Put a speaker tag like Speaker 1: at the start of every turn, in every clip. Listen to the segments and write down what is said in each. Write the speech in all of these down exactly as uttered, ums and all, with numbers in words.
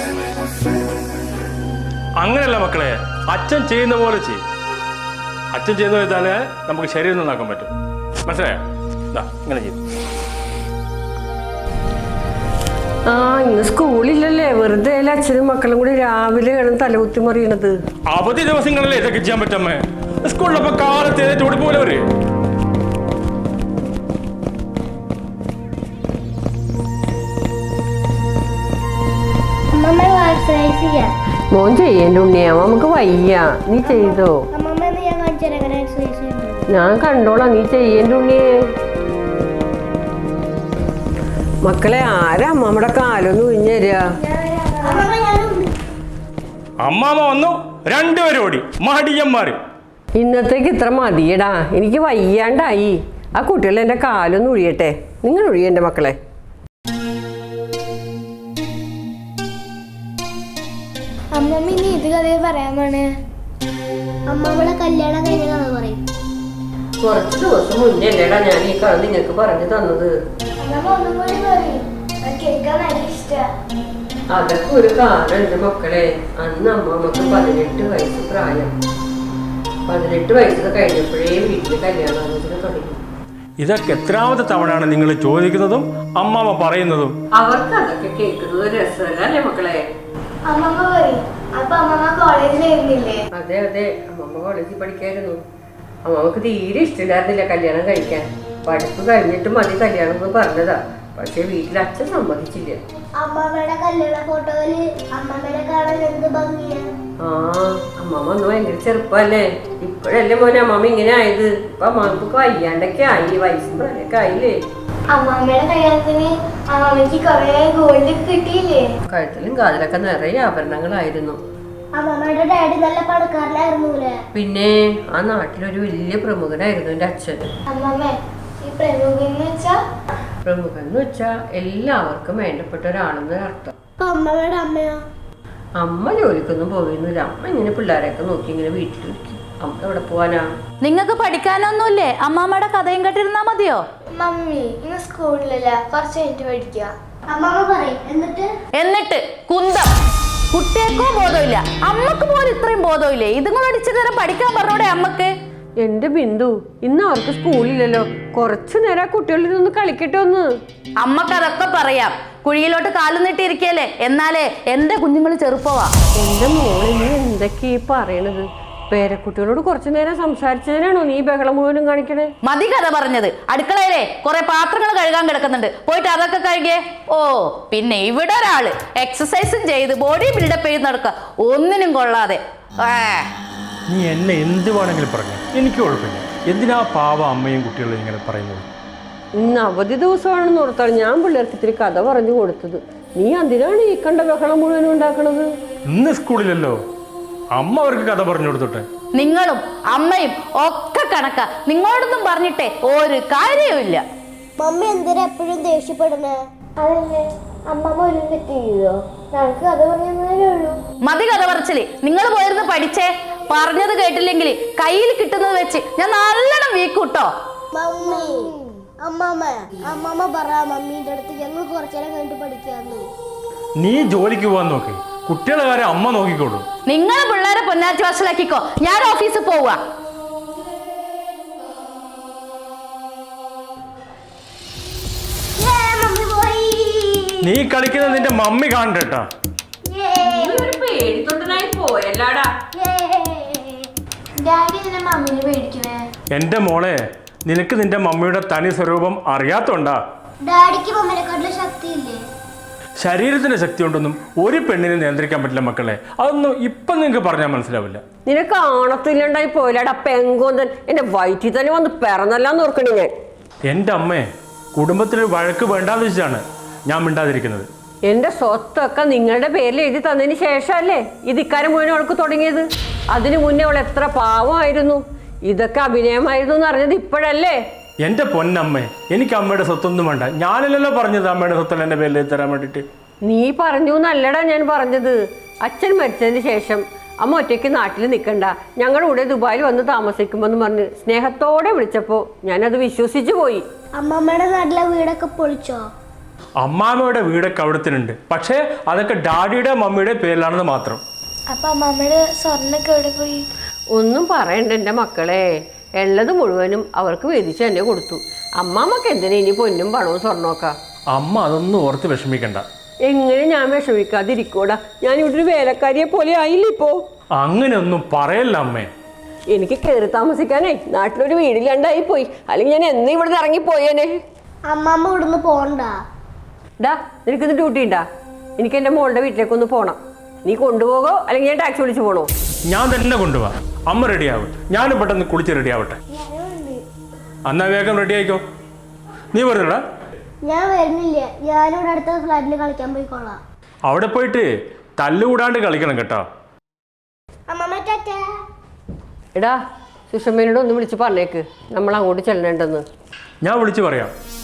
Speaker 1: അങ്ങനെയല്ല മക്കളെ, അച്ഛൻ ചെയ്യുന്ന പോലെ ചെയ്യും. അച്ഛൻ ചെയ്യുന്ന ചെയ്താലേ നമുക്ക് ശരീരം നന്നാക്കാൻ പറ്റും. മനസ്സിലായോ? ഇങ്ങനെ ചെയ്യും.
Speaker 2: ആ ഇന്ന് സ്കൂളില്ലല്ലേ, വെറുതെ അച്ഛനും മക്കളും കൂടി രാവിലെ കിടന്ന് തലകുത്തി മറിയണത്.
Speaker 1: അവധി ദിവസങ്ങളല്ലേ ഇതൊക്കെ ചെയ്യാൻ പറ്റമ്മേ. സ്കൂളിലപ്പോ കാലത്ത് ഓടിപ്പോലെ അവര്.
Speaker 2: മോൻ ചെയ്യേണ്ട ഉണ്ണിയാ, നമുക്ക് വയ്യ. നീ ചെയ്തോ? ഞാൻ കണ്ടോളാം, നീ ചെയ്യേണ്ട ഉണ്ണിയേ. മക്കളെ, ആരാ അമ്മമ്മയുടെ കാലൊന്ന് കുഞ്ഞു തരിക?
Speaker 1: അമ്മാമ വന്നു, രണ്ടുപേരും ഓടി, മടിയന്മാര്.
Speaker 2: ഇന്നത്തേക്ക് ഇത്ര മതിയടാ, എനിക്ക് വയ്യാണ്ടായി. ആ കുട്ടികൾ എൻ്റെ കാലൊന്ന് ഒഴിയട്ടെ. നിങ്ങൾ ഒഴിയെൻ്റെ മക്കളെ.
Speaker 3: അമ്മമ്മ ഇനി ഇത് കഥയെ പറയാമാണ്. അമ്മമ്മളെ കല്യാണം കഴിഞ്ഞ കഥ പറയും.
Speaker 2: കുറച്ച് ദിവസം മുന്നേ അല്ലേടാ ഞാൻ ഈ കഥ നിങ്ങൾക്ക് പറഞ്ഞു തന്നത്. അതൊക്കെ ഒരു കാലം എന്റെ മക്കളെ. അന്ന് അമ്മമ്മക്ക് പതിനെട്ട് വയസ്സ് പ്രായം. പതിനെട്ട് വയസ്സ് കഴിഞ്ഞപ്പോഴേ വീട്ടില് കല്യാണാലോചന തുടങ്ങി.
Speaker 1: ഇതൊക്കെ എത്രാമത്തെ തവണയാണ് നിങ്ങൾ ചോദിക്കുന്നതും അമ്മാമ്മ പറയുന്നതും?
Speaker 2: അവർക്ക് അതൊക്കെ കേൾക്കുന്നത് രസമല്ലേ മക്കളെ?
Speaker 3: അമ്മമ്മ പറയും. അപ്പൊ അമ്മമ്മ കോളേജിലായിരുന്നില്ലേ?
Speaker 2: അതെ അതെ, അമ്മമ്മ കോളേജിൽ പഠിക്കായിരുന്നു. അമ്മമ്മക്ക് തീരെ ഇഷ്ടമില്ലായിരുന്നില്ല കല്യാണം കഴിക്കാൻ. പഠിപ്പ് കഴിഞ്ഞിട്ട് മതി കല്യാണം എന്ന് പറഞ്ഞതാ. പക്ഷെ വീട്ടിൽ അച്ഛൻ സമ്മതിച്ചില്ല.
Speaker 3: അമ്മമ്മയുടെ കല്യാണ ഫോട്ടോയില് അമ്മമ്മനെ കാണാൻ എന്ത് ഭംഗിയാ.
Speaker 2: ആ അമ്മമ്മ ഒന്ന് ഭയങ്കര ചെറുപ്പല്ലേ. ഇപ്പോഴല്ലേ മോനെ അമ്മമ്മ ഇങ്ങനെ ആയത്. ഇപ്പൊ അമ്മമ്മക്ക് വയ്യാണ്ടൊക്കെ ആയി, വയസ്സും പ്രായമൊക്കെ ആയില്ലേ.
Speaker 3: അമ്മമ്മയുടെ കല്യാണത്തിന് അമ്മമ്മക്ക് കൊറേ ഗോൾഡ് കിട്ടിയില്ലേ?
Speaker 2: കഴുത്തിലും കാതിലൊക്കെ നിറയെ ആഭരണങ്ങളായിരുന്നു.
Speaker 3: അമ്മമ്മയുടെ ഡാഡി നല്ല പണക്കാരനായിരുന്നൂലേ?
Speaker 2: പിന്നെ ആ നാട്ടിലൊരു വലിയ പ്രമുഖനായിരുന്നു എന്റെ അച്ഛൻ.
Speaker 3: അമ്മമ്മ ഈ പ്രമുഖൻ വെച്ചാ?
Speaker 2: പ്രമുഖൻ എന്ന് വെച്ചാ എല്ലാവർക്കും വേണ്ടപ്പെട്ട ഒരാളെന്ന് അർത്ഥം.
Speaker 3: അമ്മമ്മയുടെ അമ്മയോ?
Speaker 2: അമ്മ ജോലിക്കൊന്നും പോയിരുന്നില്ല. അമ്മ ഇങ്ങനെ പിള്ളേരെയൊക്കെ നോക്കി ഇങ്ങനെ വീട്ടിലിരിക്കും. അമ്മ എവിടെ പോവാനാ?
Speaker 4: നിങ്ങൾക്ക് പഠിക്കാനൊന്നുമില്ലേ? അമ്മാമ്മയുടെ കഥയും കേട്ടിരുന്നാ മതിയോ?
Speaker 3: മമ്മി ഇന്ന് സ്കൂളിലല്ല, കുറച്ച് കഴിഞ്ഞിട്ട് പഠിക്കുക. അമ്മമ്മ പറയും. എന്നിട്ട്
Speaker 4: എന്നിട്ട് കുന്തം. കുട്ടിയേക്കോ ബോധമില്ല, അമ്മക്ക് പോലും ഇത്രയും ബോധമില്ലേ? ഇതുങ്ങൾ അടിച്ചു നേരം പഠിക്കാൻ പറഞ്ഞോടെ അമ്മക്ക്.
Speaker 2: എന്റെ ബിന്ദു, ഇന്ന് അവർക്ക് സ്കൂളില്ലല്ലോ, കുറച്ചു നേരം കുട്ടികളിൽ നിന്ന് കളിക്കട്ടെ ഒന്ന്.
Speaker 4: അമ്മക്ക് അതൊക്കെ പറയാം. കുഴിയിലോട്ട് കാലു നീട്ടിയിരിക്കല്ലേ. എന്നാലേ എന്റെ കുഞ്ഞുങ്ങൾ ചെറുപ്പവാ.
Speaker 2: എന്റെ മോളെ, നീ എന്തൊക്കെയാ ഈ പറയണത്? പേരക്കുട്ടികളോട് കുറച്ചു നേരം സംസാരിച്ചതിനാണോ നീ ബഹളം മുഴുവനും കാണിക്കണേ?
Speaker 4: മതി കഥ പറഞ്ഞത്. അടുക്കളയിലെ കുറെ പാത്രങ്ങൾ കഴുകാൻ കിടക്കുന്നുണ്ട്, പോയിട്ട് അതൊക്കെ കഴുകിയേ. ഓ പിന്നെ ഇവിടെ ഒരാള് എക്സസൈസും ചെയ്ത് ബോഡി ബിൽഡപ്പ് ചെയ്ത് നടക്കുക, ഒന്നിനും കൊള്ളാതെ.
Speaker 1: നീ എന്നെ എന്ത് വേണമെങ്കിലും പറഞ്ഞു, എനിക്ക് കുഴപ്പമില്ല. എന്തിനാ പാവ അമ്മയും കുട്ടികളും ഇങ്ങനെ പറയുന്നത്?
Speaker 2: ഇന്ന് അവധി ദിവസമാണെന്ന് ഓർത്താണ് ഞാൻ പിള്ളേർക്ക് ഇത്തിരി കഥ പറഞ്ഞു കൊടുത്തത്. നീ എന്തിനാണ് ഈ കണ്ട ബഹളം മുഴുവനും ഉണ്ടാക്കണത്?
Speaker 1: ഇന്ന് സ്കൂളിലല്ലോ, അമ്മ അവർക്ക് കഥ പറഞ്ഞു കൊടുത്തോട്ടെ.
Speaker 4: നിങ്ങളും അമ്മയും ഒക്കെ കണക്കാ. നിങ്ങളോടൊന്നും പറഞ്ഞിട്ടേ ഒരു കാര്യവുമില്ല.
Speaker 3: മമ്മി എന്തിനാ എപ്പോഴും ദേഷ്യപ്പെടുന്നേ? അതല്ലേ അമ്മമ്മ ഒരു തെറ്റ് ചെയ്തോ? ഞങ്ങൾക്ക് കഥ പറയുന്നതേ ഉള്ളൂ.
Speaker 4: മതി കഥ പറച്ചില്. നിങ്ങൾ പോയിരുന്ന് പഠിച്ചേ. പറഞ്ഞത് കേട്ടില്ലെങ്കിൽ കയ്യിൽ കിട്ടുന്നത് വെച്ച് ഞാൻ നല്ലോണം വീക്കൂട്ടോ.
Speaker 3: മമ്മി അമ്മമ്മ അമ്മമ്മ പറ മമ്മീന്റെ അടുത്ത് ഞങ്ങൾ കുറച്ചേരം കഴിഞ്ഞിട്ട് പഠിക്കാന്ന്.
Speaker 1: നീ ജോലിക്ക് പോവാൻ നോക്ക്, കുട്ടികളെ കാര്യം അമ്മ നോക്കിക്കോളൂ.
Speaker 4: നിങ്ങൾ പിള്ളേരെ പൊന്നാറ്റി വശലാക്കിക്കോ, ഞാൻ ഓഫീസിൽ പോവാ.
Speaker 1: നീ കളിക്കുന്ന നിന്റെ മമ്മി കാണണ്ടേട്ടാ. എന്റെ മോളെ, നിനക്ക് നിന്റെ മമ്മിയുടെ തനി സ്വരൂപം അറിയാത്തോണ്ടാ. ശരീരത്തിന്റെ ശക്തി കൊണ്ടൊന്നും ഒരു പെണ്ണിനെ നിയന്ത്രിക്കാൻ പറ്റില്ല മക്കളെ. അതൊന്നും ഇപ്പൊ നിങ്ങക്ക് പറഞ്ഞാൽ മനസ്സിലാവില്ല.
Speaker 2: നിനക്ക് ആണത്തില്ലാണ്ടായി പോയില്ലടാ പെങ്കോന്തൻ. എന്റെ വയറ്റിൽ തന്നെ വന്ന് പിറന്നല്ലാന്ന് ഓർക്കണേ ഞാൻ.
Speaker 1: എന്റെ അമ്മേ, കുടുംബത്തിൽ വഴക്ക് വേണ്ടാന്ന് വെച്ചാണ് ഞാൻ മിണ്ടാതിരിക്കുന്നത്.
Speaker 2: എന്റെ സ്വത്തൊക്കെ നിങ്ങളുടെ പേരിൽ എഴുതി തന്നതിന് ശേഷമല്ലേ ഇത് ഇക്കാര്യം മുഴുവൻ അവൾക്ക് തുടങ്ങിയത്. അതിനു മുന്നേ അവൾ എത്ര പാവമായിരുന്നു. ഇതൊക്കെ അഭിനയമായിരുന്നു എന്ന് അറിഞ്ഞത് ഇപ്പോഴല്ലേ?
Speaker 1: എന്റെ പൊന്നമ്മേ, എനിക്ക് അമ്മയുടെ സ്വത്തൊന്നും വേണ്ട. ഞാനല്ലല്ലോ പറഞ്ഞത് അമ്മയുടെ സ്വത്തല്ല എന്റെ പേരിൽ തരാൻ വേണ്ടിട്ട്.
Speaker 2: നീ പറഞ്ഞു എന്നല്ലടാ ഞാൻ പറഞ്ഞത്. അച്ഛൻ മരിച്ചതിന് ശേഷം അമ്മ ഒറ്റയ്ക്ക് നാട്ടിൽ നിൽക്കണ്ട, ഞങ്ങളുടെ കൂടെ ദുബായിൽ വന്ന് താമസിക്കുമെന്ന് പറഞ്ഞ് സ്നേഹത്തോടെ വിളിച്ചപ്പോ ഞാനത് വിശ്വസിച്ചു പോയി.
Speaker 3: അമ്മമ്മയുടെ നാട്ടിലെ വീടൊക്കെ പൊളിച്ചോ?
Speaker 1: അമ്മാമ്മയുടെ വീടൊക്കെ അവിടത്തിനുണ്ട്, പക്ഷേ അതൊക്കെ ഡാഡിയുടെ മമ്മിയുടെ പേരിലാണെന്ന് മാത്രം.
Speaker 3: അപ്പൊ അമ്മാമ്മയുടെ സ്വർണ്ണൊക്കെ എവിടെ പോയി?
Speaker 2: ഒന്നും പറയണ്ട എൻ്റെ മക്കളെ, ഉള്ളത് മുഴുവനും അവർക്ക് വീതിച്ച് തന്നെ കൊടുത്തു. അമ്മാമ്മക്ക് എന്തിനാ ഇനി പൊന്നും പണവും സ്വർണ്ണമൊക്കെ?
Speaker 1: അമ്മ അതൊന്നും ഓർത്ത് വിഷമിക്കണ്ട.
Speaker 2: എങ്ങനെ ഞാൻ വിഷമിക്കാതിരിക്കൂടാ? ഞാൻ ഇവിടെ ഒരു വേലക്കാരിയെ പോലെ ആയില്ല ഇപ്പോ.
Speaker 1: അങ്ങനെയൊന്നും പറയല്ല അമ്മേ.
Speaker 2: എനിക്ക് കയറി താമസിക്കാനേ നാട്ടിലൊരു വീടില്ലാണ്ടായി പോയി, അല്ലെങ്കിൽ ഞാൻ എന്നേ ഇവിടെ നിന്ന് ഇറങ്ങിപ്പോയേനെ.
Speaker 3: അമ്മാമ്മ ഇവിടുന്ന് പോണ്ട.
Speaker 2: ഡാ, നിനക്കിന്ന് ഡ്യൂട്ടി ഉണ്ടാ? എനിക്ക് എൻ്റെ മോളുടെ വീട്ടിലേക്കൊന്ന് പോണം. നീ കൊണ്ടുപോകോ അല്ലെങ്കിൽ ഞാൻ ടാക്സി വിളിച്ച് പോണോ?
Speaker 1: ഞാൻ തന്നെ കൊണ്ടുപോവാ. അമ്മ റെഡിയാവും, ഞാനും പെട്ടെന്ന് കുളിച്ച് റെഡി ആവട്ടെ. എന്നാ വേഗം റെഡി ആയിക്കോ. നീ വരുന്നടാ?
Speaker 3: ഞാൻ വരുന്നില്ല, ഞാനിവിടെ അടുത്ത ഫ്ലാറ്റിൽ കളിക്കാൻ പോയിക്കോളാം.
Speaker 1: അവിടെ പോയിട്ട് തല്ലുകൂടാണ്ട് കളിക്കണം കേട്ടോ.
Speaker 3: അമ്മമ്മ ടാറ്റാ.
Speaker 2: എടാ, സുഷമ്മേനോട് ഒന്ന് വിളിച്ച് പറഞ്ഞേക്ക് നമ്മൾ അങ്ങോട്ട് ചെല്ലണ്ടെന്ന്.
Speaker 1: ഞാൻ വിളിച്ചു പറയാം.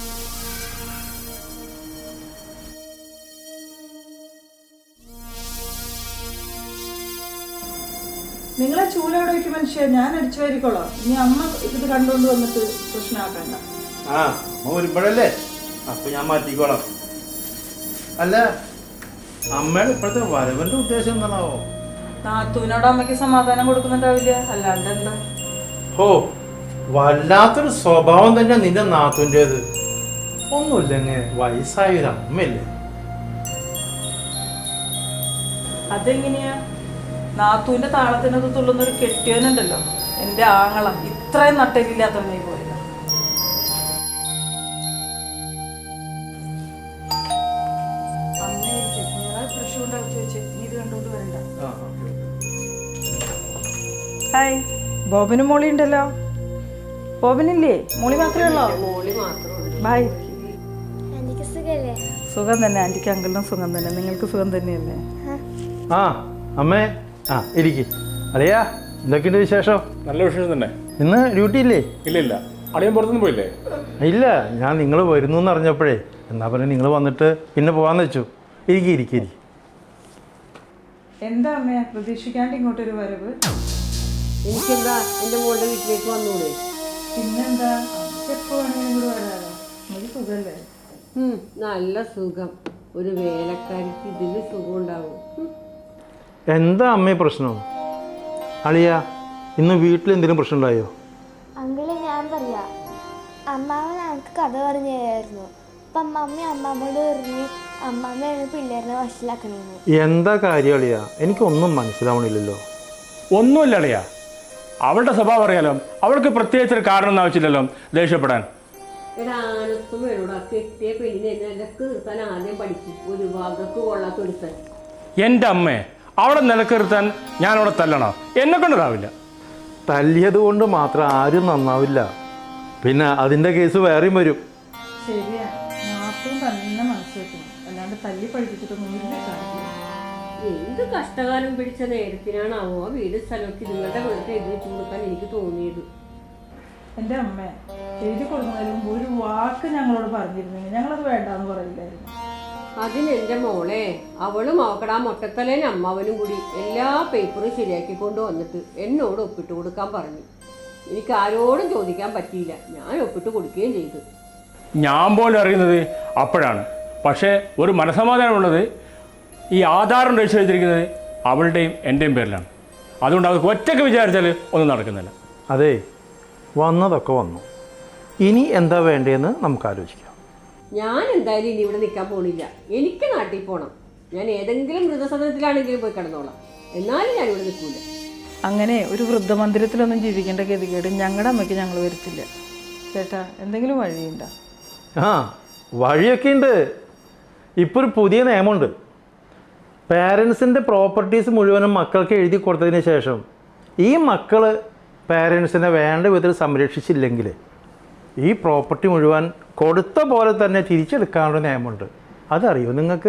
Speaker 5: നിങ്ങളെ ചൂലവിടെ വയ്ക്കും മനുഷ്യ, ഞാൻ അടിച്ചു വാരിക്കോളാം. ഇനി അമ്മ ഇത് കണ്ടുകൊണ്ട് വന്നിട്ട് പ്രശ്നമാക്കണ്ട.
Speaker 6: ആ അമ്മ വരുമ്പോഴല്ലേ, അപ്പൊ ഞാൻ മാറ്റിക്കോളാം. അല്ല, അമ്മയുടെ ഇപ്പോഴത്തെ വരവന്റെ ഉദ്ദേശം എന്താണാവോ?
Speaker 5: നാത്തൂനോട് അമ്മയ്ക്ക് സമാധാനം കൊടുക്കുന്നുണ്ടാവില്ല, അല്ലാണ്ട് എന്താ?
Speaker 6: ഓ, വല്ലാത്തൊരു സ്വഭാവം തന്നെ നിന്റെ നാത്തൂൻ്റെത്. ഒന്നുമില്ലെങ്കിൽ വയസ്സായൊരു അമ്മയല്ലേ.
Speaker 5: അതെങ്ങനെയാ? നാത്തൂന്റെ താളത്തിനത് തുള്ളുന്ന ഒരു കെട്ടിയവനുണ്ടല്ലോ, എന്റെ ആങ്ങള, ഇത്രയും നട്ടലില്ലാത്തവനായി പോയില്ല. ഹായ്, ബോബനും മോളി ഉണ്ടല്ലോ. ബോബനില്ലേ? മോളി മാത്രമേ ഉള്ളോ?
Speaker 2: മോളി മാത്രമേ.
Speaker 5: ബൈ.
Speaker 3: എനിക്ക് സുഖല്ലേ?
Speaker 5: സുഖം തന്നെ, ആന്റിക്ക് അങ്കിളിനും സുഖം തന്നെ. നിങ്ങൾക്ക് സുഖം തന്നെയല്ലേ?
Speaker 6: ആ അമ്മേ, ആ ഇരിക്ക്. അറിയാ എന്തൊക്കെയുണ്ട് വിശേഷം?
Speaker 1: നല്ല വിശേഷം തന്നെ.
Speaker 6: ഇന്ന് ഡ്യൂട്ടി ഇല്ലേ?
Speaker 1: ഇല്ല ഇല്ല, അളിയൻ പുറത്തുനിന്ന് പോയില്ലേ?
Speaker 6: ഇല്ല, ഞാൻ നിങ്ങൾ വരുന്നു എന്ന് അറിഞ്ഞപ്പോഴേ എന്നാ പറഞ്ഞാൽ നിങ്ങൾ വന്നിട്ട് പിന്നെ പോകാന്ന് വെച്ചു. ഇരിക്കി ഇരിക്കി ഇരിക്കി.
Speaker 5: എന്താ അമ്മയാ പ്രതീക്ഷിക്കാണ്ട് ഇങ്ങോട്ടൊരു വരവ്?
Speaker 2: എനിക്കെന്താ എൻ്റെ മോളുടെ വീട്ടിലേക്ക് വന്നൂടെ?
Speaker 5: പിന്നെന്താ, എപ്പോ വേണമെങ്കിലും കൂടെ വരാലോ. നമുക്ക് സുഖല്ലേ?
Speaker 2: ഉം, നല്ല സുഖം. ഒരു വേലക്കാരിക്ക് ഇതിന് സുഖം ഉണ്ടാവും. ഉം.
Speaker 6: എന്താ അമ്മേ പ്രശ്നം? അളിയ, ഇന്ന് വീട്ടിൽ എന്തെങ്കിലും പ്രശ്നം ഉണ്ടായോ?
Speaker 3: അങ്കിള്, ഞാൻ പറയാ, അമ്മാമ്മ ഞങ്ങൾക്ക് കഥ പറഞ്ഞു തരായിരുന്നു. അപ്പൊ അമ്മാമ്മ അമ്മാമ്മയോട് പറഞ്ഞു അമ്മാമ്മയാണ് പിള്ളേരെ വഷളാക്കണെന്ന്.
Speaker 6: എന്താ കാര്യം അളിയ? എനിക്കൊന്നും മനസ്സിലാവണില്ലല്ലോ.
Speaker 1: ഒന്നുമില്ല അളിയാ, അവളുടെ സ്വഭാവം അറിയാലോ. അവൾക്ക് പ്രത്യേകിച്ചൊരു കാരണം ആവശ്യമില്ലല്ലോ ദേഷ്യപ്പെടാൻ.
Speaker 2: എടാ, ആനത്തും വേണോടാ, കെട്ടിയ പെണ്ണിനെ നിലക്ക് നിർത്താൻ ആദ്യം പഠിക്കും. ഒരു ഭാഗത്ത് കൊള്ളാത്ത ഒരുത്തൻ.
Speaker 1: എൻ്റെ അമ്മേ, അവളെ നിലക്കിരുത്താൻ ഞാൻ അവിടെ തല്ലണോ? എന്നെ കൊണ്ടതാവില്ല.
Speaker 6: തല്ലിയത് കൊണ്ട് മാത്രം ആരും നന്നാവില്ല, പിന്നെ അതിൻ്റെ കേസ് വേറെയും വരും.
Speaker 5: ശരിയാ, നാത്തും തന്നെ മനസ്സ് വെക്കണം, അല്ലാണ്ട് തല്ലി പഠിപ്പിച്ചിട്ടൊന്നും ഇല്ല കാര്യമില്ല.
Speaker 2: എന്ത് കഷ്ടകാലം പിടിച്ച നേരത്തിനാണാവോ വീട് സ്ഥലമൊക്കെ നിങ്ങളുടെ വീട്ടിൽ എഴുതി വെച്ചു കൊടുക്കാൻ എനിക്ക് തോന്നിയത്.
Speaker 5: എൻ്റെ അമ്മ എഴുതി കൊടുക്കുന്നതിന് മുമ്പ് ഒരു വാക്ക് ഞങ്ങളോട് പറഞ്ഞിരുന്നെങ്കിൽ ഞങ്ങളത് വേണ്ടാന്ന് പറയില്ലായിരുന്നു.
Speaker 2: അതിനെന്റെ മോളെ, അവളും അവക്കടാ മൊട്ടത്തലേനും അമ്മാവനും കൂടി എല്ലാ പേപ്പറും ശരിയാക്കി കൊണ്ട് വന്നിട്ട് എന്നോട് ഒപ്പിട്ട് കൊടുക്കാൻ പറഞ്ഞു. എനിക്ക് ആരോടും ചോദിക്കാൻ പറ്റിയില്ല, ഞാൻ ഒപ്പിട്ട് കൊടുക്കുകയും ചെയ്തു.
Speaker 1: ഞാൻ പോലും അറിയുന്നത് അപ്പോഴാണ്. പക്ഷേ ഒരു മനസ്സമാധാനമുള്ളത്, ഈ ആധാരം രജിസ്റ്റർ ചെയ്തിരിക്കുന്നത് അവളുടെയും എൻ്റെയും പേരിലാണ്. അതുകൊണ്ട് അവർക്ക് ഒറ്റയ്ക്ക് വിചാരിച്ചാൽ ഒന്നും നടക്കുന്നില്ല.
Speaker 6: അതെ, വന്നതൊക്കെ വന്നു. ഇനി എന്താ വേണ്ടതെന്ന് നമുക്ക് ആലോചിക്കാം.
Speaker 2: ഞാൻ എന്തായാലും ഇനി ഇവിടെ നിൽക്കാൻ പോണില്ല. എനിക്ക് നാട്ടിൽ പോകണം. ഞാൻ ഏതെങ്കിലും വൃദ്ധസദനത്തിലാണെങ്കിലും പോയി കിടന്നോളാം. എന്നാലും ഞാൻ ഇവിടെ നിൽക്കൂല.
Speaker 5: അങ്ങനെ ഒരു വൃദ്ധമന്ദിരത്തിലൊന്നും ജീവിക്കേണ്ട ഗതികേട് ഞങ്ങളുടെ അമ്മയ്ക്ക് ഞങ്ങൾ വരുത്തില്ല. ചേട്ടാ, എന്തെങ്കിലും വഴിയുണ്ടോ?
Speaker 6: ആ, വഴിയൊക്കെ ഉണ്ട്. ഇപ്പോൾ ഒരു പുതിയ നിയമമുണ്ട്. പാരൻസിൻ്റെ പ്രോപ്പർട്ടീസ് മുഴുവനും മക്കൾക്ക് എഴുതി കൊടുത്തതിന് ശേഷം ഈ മക്കൾ പാരൻസിനെ വേണ്ട വിധത്തിൽ സംരക്ഷിച്ചില്ലെങ്കിൽ ഈ പ്രോപ്പർട്ടി മുഴുവൻ കൊടുത്ത പോലെ തന്നെ തിരിച്ചെടുക്കാനുള്ള നിയമമുണ്ട്. അതറിയോ നിങ്ങൾക്ക്?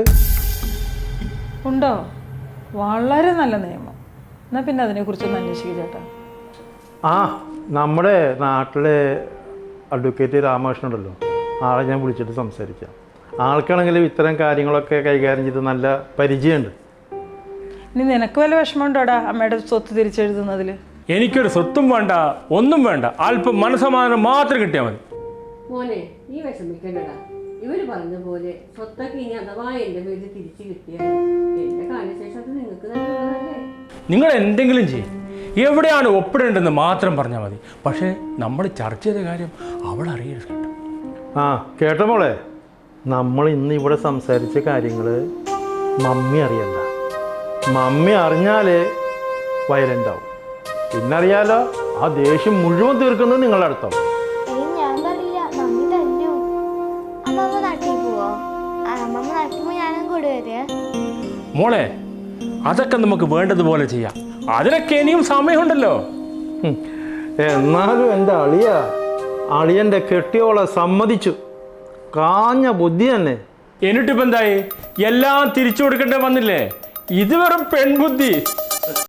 Speaker 5: ഉണ്ടോ? വളരെ നല്ല നിയമം. എന്നാൽ പിന്നെ അതിനെക്കുറിച്ചൊന്ന് അന്വേഷിക്കുക ചേട്ടാ.
Speaker 6: ആ, നമ്മുടെ നാട്ടിലെ അഡ്വക്കേറ്റ് രാമകൃഷ്ണൻ ഉണ്ടല്ലോ, ആളെ ഞാൻ വിളിച്ചിട്ട് സംസാരിക്കാം. ആൾക്കാണെങ്കിലും ഇത്തരം കാര്യങ്ങളൊക്കെ കൈകാര്യം ചെയ്ത് നല്ല പരിചയമുണ്ട്.
Speaker 5: ഇനി നിനക്ക് വല്ല വിഷമമുണ്ടോടാ അമ്മയുടെ സ്വത്ത് തിരിച്ചെഴുതുന്നതിൽ?
Speaker 1: എനിക്കൊരു സ്വത്തും വേണ്ട, ഒന്നും വേണ്ട. അല്പം മനസ്സമാധാനം മാത്രം കിട്ടിയാൽ മതി.
Speaker 2: മോനെ, നീ വിഷമിക്കണ്ടടാ. ഇവര് പറഞ്ഞ പോലെ സ്വത്തൊക്കെ ഇനി അഥവാ എൻ്റെ പേരിൽ തിരിച്ചു കിട്ടിയാൽ എൻ്റെ കാലശേഷം അത് നിങ്ങൾക്ക് നല്ലതല്ലേ?
Speaker 1: നിങ്ങൾ എന്തെങ്കിലും ചെയ്യും, എവിടെയാണ് ഒപ്പിടേണ്ടതെന്ന് മാത്രം പറഞ്ഞാൽ മതി. പക്ഷേ നമ്മൾ ചർച്ച ചെയ്ത കാര്യം അവൾ അറിയരുത് കേട്ടോ.
Speaker 6: ആ കേട്ടോ മോളെ, നമ്മൾ ഇന്ന് ഇവിടെ സംസാരിച്ച കാര്യങ്ങൾ മമ്മി അറിയണ്ട. മമ്മി അറിഞ്ഞാൽ വയലൻ്റ് ആവും. പിന്നറിയാലോ, ആ ദേഷ്യം മുഴുവൻ തീർക്കുന്നത് നിങ്ങളുടെ അടുത്താണ്.
Speaker 3: ഏയ് ഞാൻ പറയില്ല, മമ്മി തല്ലു. അമ്മമ്മ നാട്ടിൽ പോവോ? അമ്മമ്മ നാട്ടിൽ പോയി ഞാനും കൂടെ വരിക.
Speaker 1: മോളെ, അതൊക്കെ നമുക്ക് വേണ്ടതുപോലെ ചെയ്യാം. അതിനൊക്കെ ഇനിയും സമയമുണ്ടല്ലോ.
Speaker 6: ഉം. എന്നാലും എൻ്റെ അളിയ അളിയൻ്റെ കെട്ടിയോളെ സമ്മതിച്ചു. കാഞ്ഞ ബുദ്ധി തന്നെ.
Speaker 1: എന്നിട്ടിപ്പോൾ എന്തായി? എല്ലാം തിരിച്ചു കൊടുക്കേണ്ടി വന്നില്ലേ? ഇത് വെറും പെൺബുദ്ധി.